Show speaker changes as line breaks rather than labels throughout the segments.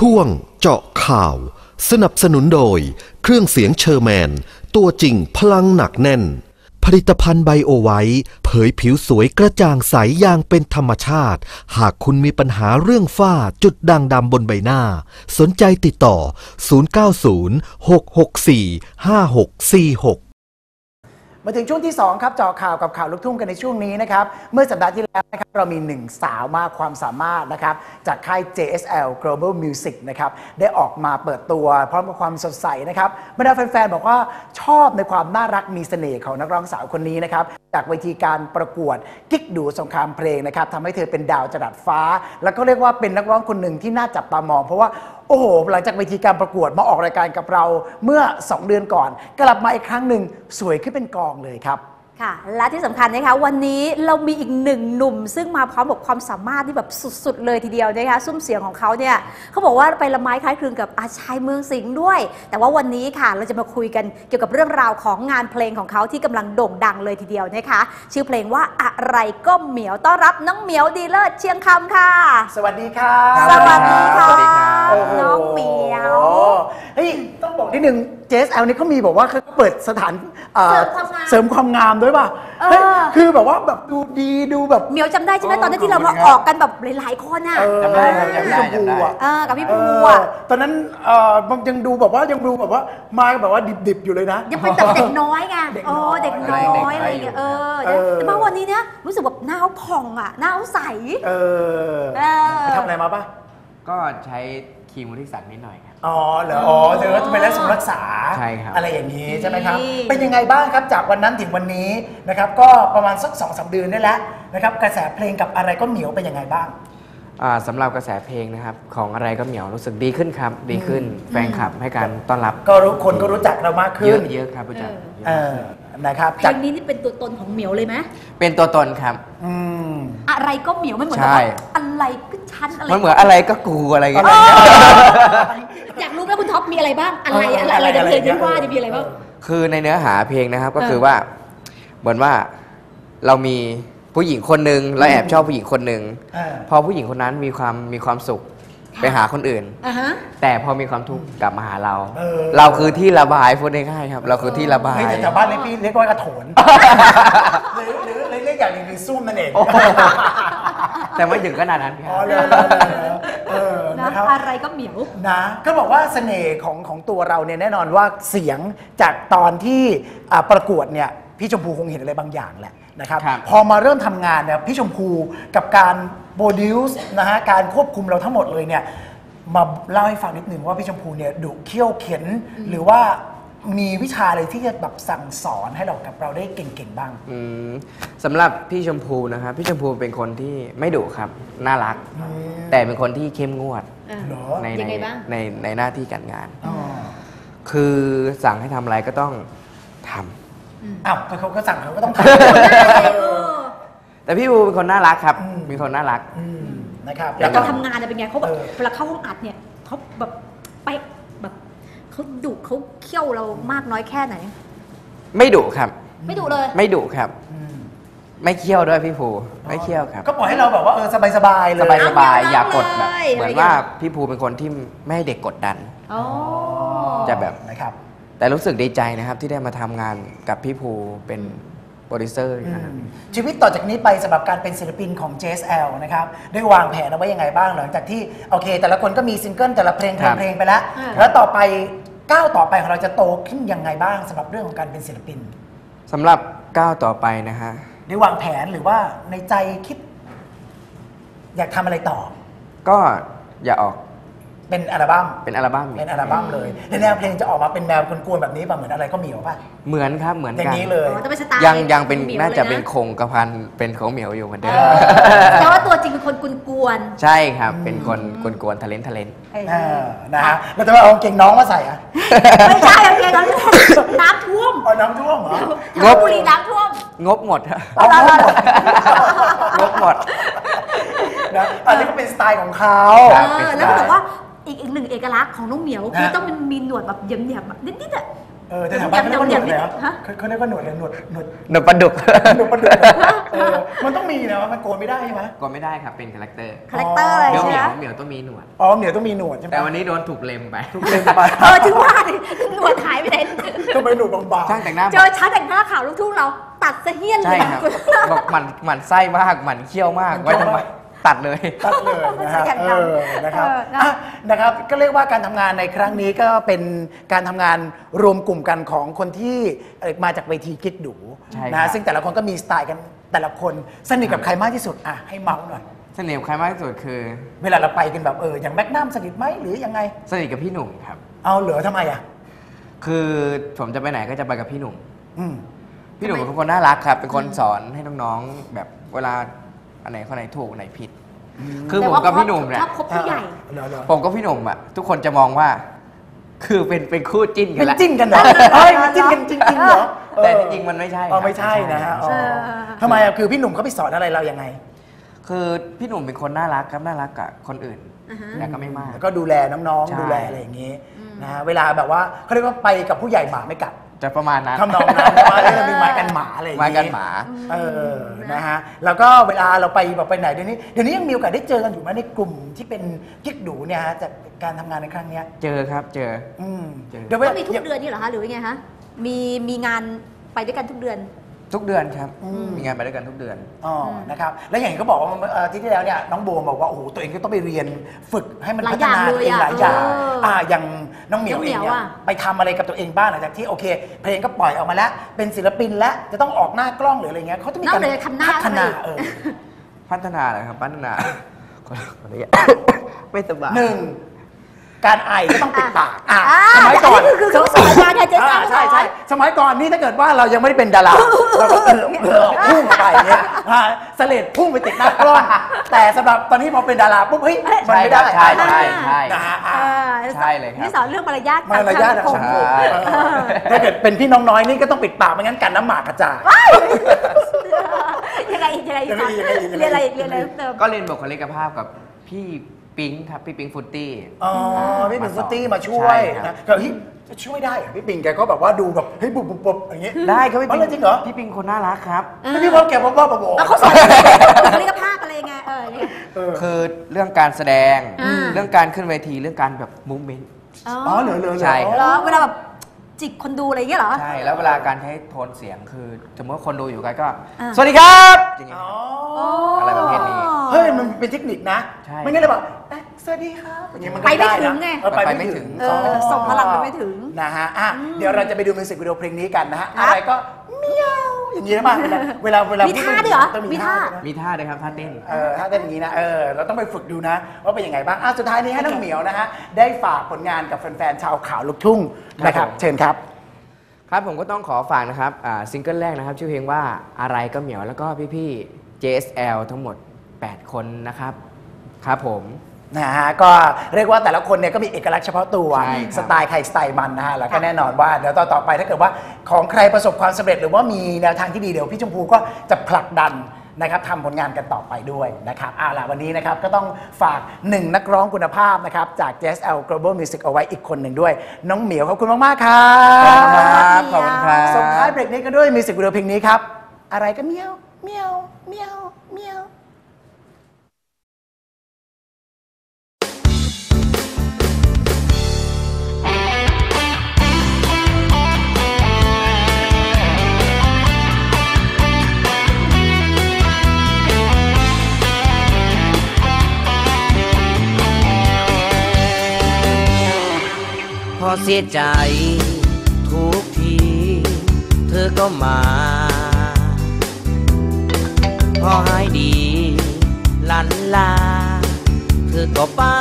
ช่วงเจาะข่าวสนับสนุนโดยเครื่องเสียงเชอร์แมนตัวจริงพลังหนักแน่นผลิตภัณฑ์ไบโอไวท์เผยผิวสวยกระจ่างใสอย่างเป็นธรรมชาติหากคุณมีปัญหาเรื่องฝ้าจุดด่างดำบนใบหน้าสนใจติดต่อ0906645646
มาถึงช่วงที่2ครับเจาะข่าวกับข่าวลูกทุ่งกันในช่วงนี้นะครับเมื่อสัปดาห์ที่แล้วนะครับเรามี1สาวมากความสามารถนะครับจากค่าย JSL Global Music นะครับได้ออกมาเปิดตัวพร้อมกับความสดใสนะครับบรรดาแฟนๆบอกว่าชอบในความน่ารักมีเสน่ห์ของนักร้องสาวคนนี้นะครับจากเวทีการประกวดกิ๊กดูสงครามเพลงนะครับทำให้เธอเป็นดาวจรัสฟ้าแล้วก็เรียกว่าเป็นนักร้องคนหนึ่งที่น่าจับตามองเพราะว่าโอ้โหหลังจากเวทีการประกวดมาออกรายการกับเราเมื่อ2เดือนก่อนกลับมาอีกครั้งหนึ่งสวยขึ้นเป็นกองเลยครับ
ค่ะและที่สำคัญนะคะวันนี้เรามีอีกหนึ่งหนุ่มซึ่งมาพร้อมกับความสามารถที่แบบสุดๆเลยทีเดียวนะคะซุ้มเสียงของเขาเนี่ยเขาบอกว่าไปละไม้คล้ายคลึงกับอาชัยเมืองสิงห์ด้วยแต่ว่าวันนี้ค่ะเราจะมาคุยกันเกี่ยวกับเรื่องราวของงานเพลงของเขาที่กำลังโด่งดังเลยทีเดียวนะคะชื่อเพลงว่าอะไรก็เหมียวต้อนรับน้องเหมียวดีเลิศเชียงคำค่ะ
สวัสดีครับ
สวัสดีค่ะน้องเหมียว
เฮ้ยต้องบอกนิดนึง JSL นี่เขามีบอกว่าเขาเปิดสถานเสริมความงามด้วยป่ะคือแบบว่าแบบดูดีดูแบบ
เหมียวจำได้ใช่ไหมตอนนั้นที่เรามาออกกันแบบหลายๆคนอ่ะ
จำได้กับพี่ชมพูอ่ะ
กับพี่ภูอ่ะ
ตอนนั้นยังดูแบบว่ามาแบบว่าดิบๆอยู่เลยนะ
ยังเป็นแบบเด็กน้อยไงเด็กน้อยอะไรอย่างเงี้ยแต่มาวันนี้เนี่ยรู้สึกแบบหน้าผ่องอ่ะหน้าใส
ไปทำอะไรมาป่ะ
ก็ใช้ครีมวุฒิศักดิ์นิดหน่อยครับ
อ๋อเหรอเธอจะไปรักษา
ใช่ครับ
อะไรอย่างนี้ใช่ไหมครับเป็นยังไงบ้างครับจากวันนั้นถึงวันนี้นะครับก็ประมาณสัก 2-3 เดือนได้แล้วนะครับกระแสเพลงกับอะไรก็เหมียวเป็นยังไงบ้าง
สำหรับกระแสเพลงนะครับของอะไรก็เหมียวรู้สึกดีขึ้นครับดีขึ้นแฟนคลับให้การต้อนรับ
ก็คนก็รู้จักเรามากขึ้น
เยอะครับรู้จัก
นะครับ
เพลงนี้นี่เป็นตัวตนของเหมียวเลยไหม
เป็นตัวตนครับ
อะไรก็เหมียวไม่เหมือนกับอะไรก็ชั้นอะไร
มันเหมือนอะไรก็กูอะไรกัน
อยากรู้แล้วคุณท็อปมีอะไรบ้างอะไรในเพลงที่ว่าจะมีอะไรบ้าง
คือในเนื้อหาเพลงนะครับก็คือว่าเหมือนว่าเรามีผู้หญิงคนหนึ่งเราแอบชอบผู้หญิงคนหนึ่งพอผู้หญิงคนนั้นมีความสุขไปหาคนอื่นแต่พอมีความทุกข์กลับมาหาเราคือที่ระบายพูดง่ายๆครับเราคือที่ระบาย
แต่ชาวบ้านเรียกว่ากระโถนหรือเรียกอย่างหนึ่งคือซุ่มนั่นเอง
แต่ไม่ถึงขนาดนั้นครับ
อะไรก็เหมียว
นะก็บอกว่าเสน่ห์ของตัวเราเนี่ยแน่นอนว่าเสียงจากตอนที่ประกวดเนี่ยพี่ชมพูคงเห็นอะไรบางอย่างแหละนะครับพอมาเริ่มทำงานเนี่ยพี่ชมพูกับการโปรดิวส์นะฮะการควบคุมเราทั้งหมดเลยเนี่ยมาเล่าให้ฟังนิดนึงว่าพี่ชมพูเนี่ยดุเขี้ยวเข็นหรือว่ามีวิชาอะไรที่จะแบบสั่งสอนให้เรากับเราได้เก่งๆบ้าง
สำหรับพี่ชมพูนะครับพี่ชมพูเป็นคนที่ไม่ดุครับน่ารักแต่เป็นคนที่เข้มงวดในหน้าที่การงานคือสั่งให้ทำอะไรก็ต้องทำ
เขาก็สั่งเขาก็ต้องท
ำแต่พี่บูเป็นคนน่ารักครับมีคนน่ารัก
นะครับ
แล้วการทำงานเป็นไงเขาแบบเวลาเข้าห้องอัดเนี่ยเขาแบบไปแบบเขาดุเขาเคี่ยวเรามากน้อยแค่ไหน
ไม่ดุครับ
ไม่ดุเลย
ไม่ดุครับไม่เคี่ยวด้วยพี่ภูไม่เคี่ยวครับ
ก็ปล่อยให้เราแบบว่าสบายๆเลย
สบายอย่ากดแบบเหมือนว่าพี่ภูเป็นคนที่ไม่ให้เด็กกดดันจะแบบ
นะครับ
แต่รู้สึกดีใจนะครับที่ได้มาทำงานกับพี่ภูเป็นโปรดิวเซอร์นะครับ
ชีวิตต่อจากนี้ไปสำหรับการเป็นศิลปินของ JSL นะครับได้วางแผนเอาไว้ยังไงบ้างหลังจากที่โอเคแต่ละคนก็มีซิงเกิลแต่ละเพลงไปแล้วแล้วต่อไปก้าวต่อไปของเราจะโตขึ้นยังไงบ้างสำหรับเรื่องของการเป็นศิลปิน
สำหรับก้าวต่อไปนะฮะ
ได้วางแผนหรือว่าในใจคิดอยากทำอะไรต่อ
ก็อย่าออก
เป็นอัลบั้มเลยแนวเพลงจะออกมาเป็นแนวกวนๆแบบนี้ป่ะเหมือนอะไรก็เหมียวป่ะ
เหมือนครับเหมือนกัน
นี้เลย
ยังเป็นน่าจะเป็นคงกระพันเป็นของเหมียวอยู่เหมือนเดิม
แต่ว่าตัวจริงเป็นคนกวน
ใช่ครับเป็นคนกวนทะเลน
นะฮะแล้วจะมาเอาเก่งน้องมาใส่อ่ะ
ไม่ใช่เอาเก่งน้ำท่วม
น้ำท่วมเหร
องบ
บุรีน้ำท่วม
งบหมดงบหมด
นะอันนี้ก็เป็นสไตล์ของเขา
แล้วก็บอกว่าอีกหนึ่งเอกลักษณ์ของน้องเหมียวคือต้องมีหนวดแบบเหยี่ยมๆนิดๆอ่ะ
แต่แถวบ้านเขาเรียกว่าหนวดเลยครับเขาเรียกว่าหนวดเลยหนวด
ปลาดุก
หนวดปลาดุกมันต้องมีนะมันโกนไม่ได้ใช่ไหม
โกนไม่ได้ครับเป็นคาแรคเตอร์
อะไรใช่ไหม
เหมียวต้องมีหนวด
เหมียวต้องมีหนวดใช่ไหม
แต่วันนี้โดนถูกเล็มไป
ถึงว่าหนวดหายไปไหน
ก็ไปหนวดบางๆ
ช่างแต่งหน้า
เจอช่างแต่งหน้าข่าวลูกทุ่งเราตัดเสี้ยนเลย
ใช่ครับบอกหมันไส้มากหมันเคี้ยวมากไว้ทำไมตัดเลย
นะครับก็เรียกว่าการทำงานในครั้งนี้ก็เป็นการทำงานรวมกลุ่มกันของคนที่มาจากเวทีกิ๊กดูนะซึ่งแต่ละคนก็มีสไตล์กันแต่ละคนสนิทกับใครมากที่สุดให้เมาส์หน่อย
สนิทกับใครมากที่สุดคือ
เวลาเราไปกันแบบอย่างแมกนัมสนิทไหมหรือยังไง
สนิทกับพี่หนุ่มครับ
เอาเหรอทำไม
คือผมจะไปไหนก็จะไปกับพี่หนุ่มพี่หนุ่มเป็นคนน่ารักครับเป็นคนสอนให้น้องๆแบบเวลาอันไหนข้อไหนถูกไหนผิดคือผมกับพี่หนุ่มเนี่ยผมกับพี่หนุ่มอ่ะทุกคนจะมองว่าคือเป็นคู่จิ้นกันแล้ว
จิ้นกันเหรอจิ้นกันจริงๆเหรอ
แต่จริงๆมันไม่ใช่
ไม่ใช่นะฮะทำไมคือพี่หนุ่มเขาไปสอนอะไรเรายังไง
คือพี่หนุ่มเป็นคนน่ารักครับน่ารักกับคนอื่นแต่ก็ไม่มาก
ก็ดูแลน้องๆดูแลอะไรอย่างนี้นะเวลาแบบว่าเขาเรียกว่าไปกับผู้ใหญ่หมาไม่กัด
จะประมาณนั้น
ทำนองนั้นว่าเรามีไม้กันหมาอะไรอย่างนี้
ไม้กันหมา
นะฮะแล้วก็เวลาเราไปแบบไปไหนเดี๋ยวนี้ยังมีโอกาสได้เจอกันอยู่ไหมในกลุ่มที่เป็นกิ๊กดูเนี่ยฮะจากการทำงานในครั้งนี้
เจอครับเจอ
เดี๋ยวมีทุกเดือนนี่เหรอคะหรือไงฮะมีงานไปด้วยกันทุกเดือน
ครับมีงานไปด้วยกันทุกเดือน
นะครับแล้วอย่างที่เขาบอกว่าที่แล้วเนี่ยน้องโบบอกว่าโอ้โหตัวเองก็ต้องไปเรียนฝึกให้มันพัฒนาตัวเองหลายอย่างอย่างน้องเหมียวเองเนี่ยไปทำอะไรกับตัวเองบ้างหลังจากที่โอเคเพลงก็ปล่อยออกมาแล้วเป็นศิลปินแล้วจะต้องออกหน้ากล้องหรืออะไรเงี้ยเขาต้องมีการพัฒนา
เลยครับพัฒนาคนนี้ไม่สบาย
การไอก็ต้องปิดปากสมัยก่อน
คือสมัยก่อน
ใช่สมัยก่อนนี่ถ้าเกิดว่าเรายังไม่ได้เป็นดาราเราก็พุ่งไปเนี่ยเสลดพุ่งไปติดหน้ากล้องแต่สำหรับตอนนี้พอเป็นดาราปุ๊บเฮ้ยมันไม่ได้
ใช่เลยครับ
นี่สอนเรื่องมารยาท
ของผมถ้าเกิดเป็นพี่น้องน้อยนี่ก็ต้องปิดปากไม่งั้นกันน้ำหมากกระจาย
ยังไงเรียนอะไรเติม
ก็เรียนบุคลิกภาพกับพี่ปิงครับพี่ปิงฟุตตี้
พี่ปิงฟุตตี้มาช่วยนะก็จะช่วยได้พี่ปิงแกก็แบบว่าดูแบบเฮ้ยบุบอย่างงี้
ได้ครับพี่ปิง
จริงเหรอ
พี่ปิงคนน่ารักครับ
พี่บอกแกบ้า
แล้วเขาสอนบุคลิกภาพอะไรไง
คือเรื่องการแสดงเรื่องการขึ้นเวทีเรื่องการแบบมูฟเมนต์
เหลือ
ใช่
เวลาแบบจิกคนดูอะไรอย่างเงี้ยเหรอ
ใช่แล้วเวลาการใช้โทนเสียงคือสมมติคนดูอยู่ไกลก็สวัสดีครับอย่างเงี้ยอะไรประเภทนี้
เฮ้ยมันเป็นเทคนิคนะไม่งั้นเลยบอกสวัสดีครับอย่างเงี้ยมันไปไม่
ถึงไง
ไปไม่ถึง
ส่งพลังไปไม่ถึง
นะฮะเดี๋ยวเราจะไปดูมิวสิกวิดีโอเพลงนี้กันนะฮะอะไรก็เมียวอย่างนี้นะป่ะเวลา
มีท่าด้วยเหรอ
มีท่าด้วยครับท่าเต้น
ท่าเต้นอย่างนี้นะเราต้องไปฝึกดูนะว่าเป็นยังไงบ้างสุดท้ายนี้ให้น้องเหมียวนะฮะได้ฝากผลงานกับแฟนๆชาวข่าวลูกทุ่งนะครับเชิญครับ
ครับผมก็ต้องขอฝากนะครับซิงเกิลแรกนะครับชื่อเพลงว่าอะไรก็เหมียวแล้วก็พี่ๆ JSL ทั้งหมด8คนนะครับครับผม
นะฮะก็เรียกว่าแต่ละคนเนี่ยก็มีเอกลักษณ์เฉพาะตัวสไตล์ใครสไตล์มันนะฮะแล้วก็แน่นอนว่าเดี๋ยวต่อไปถ้าเกิดว่าของใครประสบความสำเร็จหรือว่ามีแนวทางที่ดีเดี๋ยวพี่ชมพูก็จะผลักดันนะครับทำผลงานกันต่อไปด้วยนะครับล่ะวันนี้นะครับก็ต้องฝาก1นักร้องคุณภาพนะครับจาก JSL Global Music เอาไว้อีกคนหนึ่งด้วยน้องเหมียวขอบคุณมากๆครับ
ขอบคุณครับ
ส่งท้ายเบรกนี้กันด้วยมิวสิกวิดีโอเพลงนี้ครับอะไรก็เมียวเมียวเมียวเมียว
พอเสียใจทุกทีเธอก็มาพอหายดีลันลาเธอก็ไป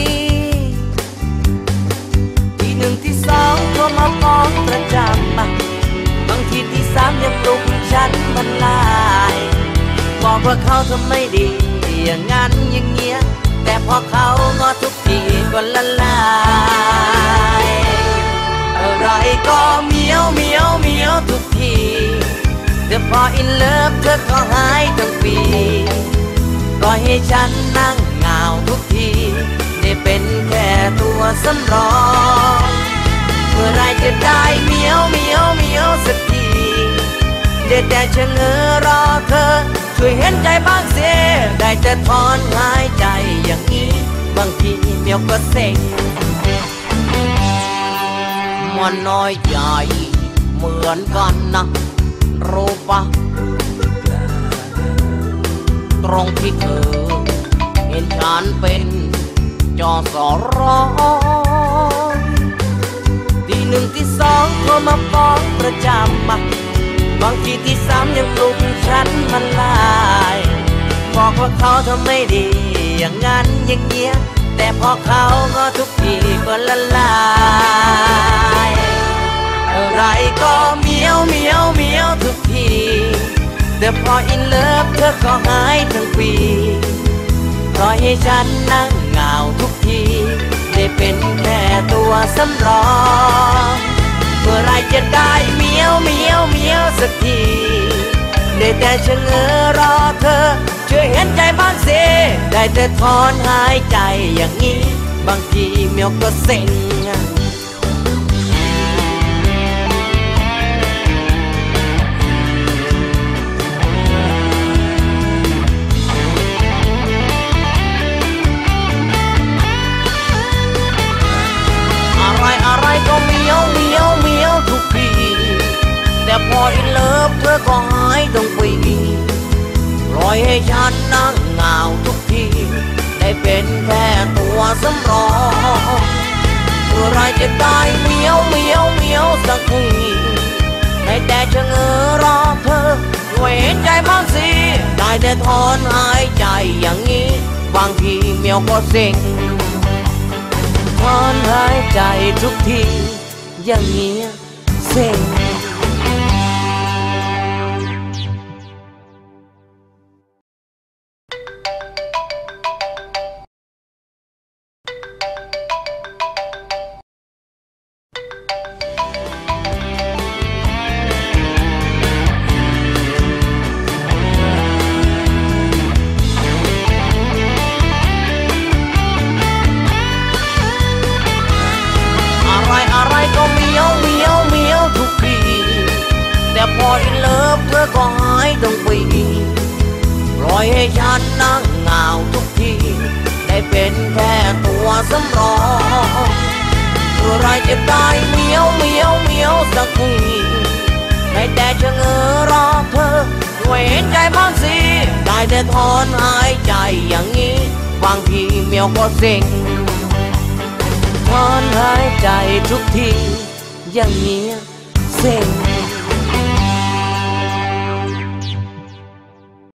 ที่1ที่2ก็มาฟ้องประจำบางทีที่3ยังปลุกฉันบรรลัยบอกว่าเขาทำไม่ดีอย่างนั้นอย่างเงี้ยแต่พอเขางอทุกทีก็ละลายอะไรก็เหมียวเหมียวเหมียวทุกทีแต่พออินเลิฟเธอก็หายทั้งปีปล่อยให้ฉันนั่งเหงาทุกทีได้เป็นแค่ตัวสำรองมื่อไรจะได้เหมียวเหมียวเหมียวสักทีได้แต่ชะเง้อรอเธอช่วยเห็นใจบ้างเสียได้แต่ถอนหายใจอย่างนี้บางทีเหมียวก็เซ็งมันน้อยใหญ่เหมือนกันนะรู้ปะตรงที่เธอเห็นฉันเป็นจอสอรอที่หนึ่งที่สองโทรมาฟ้องประจำบางทีที่สามยังปลุกฉันมันลายบอกว่าเขาทำไม่ดีอย่างนั้นอย่างเงี้ยแต่พอเขาก็ทุกทีก็ละลายอะไรก็เหมียวเหมียวเหมียวทุกทีแต่พออินเลิฟเธอก็หายทั้งปีปล่อยให้ฉันนั่งเหงาทุกทีได้เป็นแค่ตัวสำรองเมื่อไรจะได้เหมียวเหมียวเหมียวสักทีได้แต่ชะเง้อรอเธอช่วยเห็นใจบ้างสิได้แต่ถอนหายใจอย่างนี้บางทีเหมียวก็เซ็งอะไรก็เหมียวเหมียวเหมียวทุกทีแต่พออินเลิฟเธอก็หายทั้งปีปล่อยให้ฉันนั่งเหงาทุกทีได้เป็นแค่ตัวสำรองเมื่อไรจะได้เหมียวเหมียวเหมียวสักทีได้แต่ชะเง้อรอเธอช่วยเห็นใจบ้างสิได้แต่ถอนหายใจอย่างนี้บางทีเหมียวก็เซ็งถอนหายใจทุกทีอย่างเงี้ยเซ็งอะไรก็เหมียวเหมียวเหมียวทุกทีแต่พออินเลิฟเธอก็หายทั้งปีปล่อยให้ฉันนั่งเหงาทุกทีได้เป็นแค่ตัวสำรองเมื่อไรจะได้เหมียวเหมียวเหมียวสักทีได้แต่ชะเง้อรอเธอช่วยเห็นใจบ้างสิได้แต่ถอนหายใจอย่างนี้บางทีเหมียวก็เซ็งถอนหายใจทุกทีอย่างเงี้ยเซ็ง